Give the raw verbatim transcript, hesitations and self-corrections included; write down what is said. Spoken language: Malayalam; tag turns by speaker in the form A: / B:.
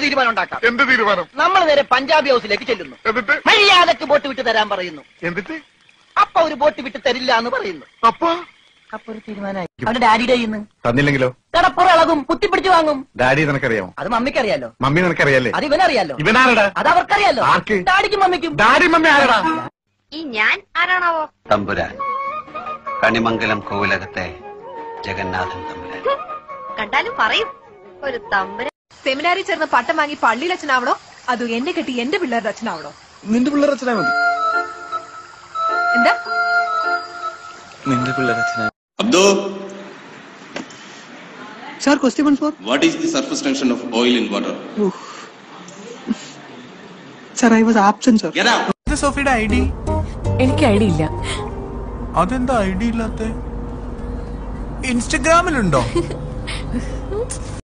A: തീരുമാനം ഉണ്ടാക്കാം.
B: എന്ത് തീരുമാനം?
A: നമ്മൾ നേരെ പഞ്ചാബി ഹൗസിലേക്ക് ചെല്ലുന്നു.
B: എന്നിട്ട്
A: മര്യാദക്ക് ബോട്ട് വിട്ട് തരാൻ പറയുന്നു.
B: എന്നിട്ട്
A: അപ്പൊ ഒരു ബോട്ട് വിട്ട് തരില്ല എന്ന് പറയുന്നു.
B: അപ്പൊ
A: അപ്പൊ ഒരു തീരുമാനമായി. അവന്റെ ഡാഡിയുടെ ഇന്ന്
C: തന്നില്ലെങ്കിലോ?
A: കടപ്പുറ ഇളകും, കുത്തിപ്പിടിച്ചു വാങ്ങും.
C: ഡാഡി നിനക്കറിയാമോ?
A: അത് മമ്മിക്ക് അറിയാലോ.
C: മമ്മി നിനക്കറിയാലേ?
A: അത് ഇവനറിയാലോ.
C: ഇവനാരടാ?
A: അത് അവർക്കറിയാലോ.
C: ആർക്ക്?
A: ഡാഡിക്കും മമ്മിക്കും.
C: ഡാഡി മമ്മി ആരടാ?
D: ഈ ഞാൻ ആരാണാവോ?
E: തമ്പുരാൻ, കണിമംഗലം കോവിലകത്തെ ജഗന്നാഥൻ തമ്പുരാൻ.
D: കണ്ടാലും പറയും ഒരു തമ്പുരാൻ.
F: സെമിനാറിൽ ചേർന്ന് പട്ടം വാങ്ങി പള്ളിയിൽ അച്ഛനാവണോ അതോ എന്നെ കെട്ടി എന്റെ പിള്ളേരുടെ അച്ഛനാവണോ?
G: നിന്റെ പിള്ളേർ അച്ഛനാ മതി.
F: എന്താ
G: നിന്റെ പിള്ളേർ അച്ഛനാ?
H: Abdo,
G: Sir, question one four.
H: what is the surface tension of oil in water?
G: Oof. Sir, I was absent, sir.
H: Get out!
I: സോഫിയുടെ ഐ ഡി
F: എനിക്ക് ഐഡിയ ഇല്ല.
I: അതെന്താ ഐ ഡി ഇല്ലാത്ത? ഇൻസ്റ്റഗ്രാമിലുണ്ടോ?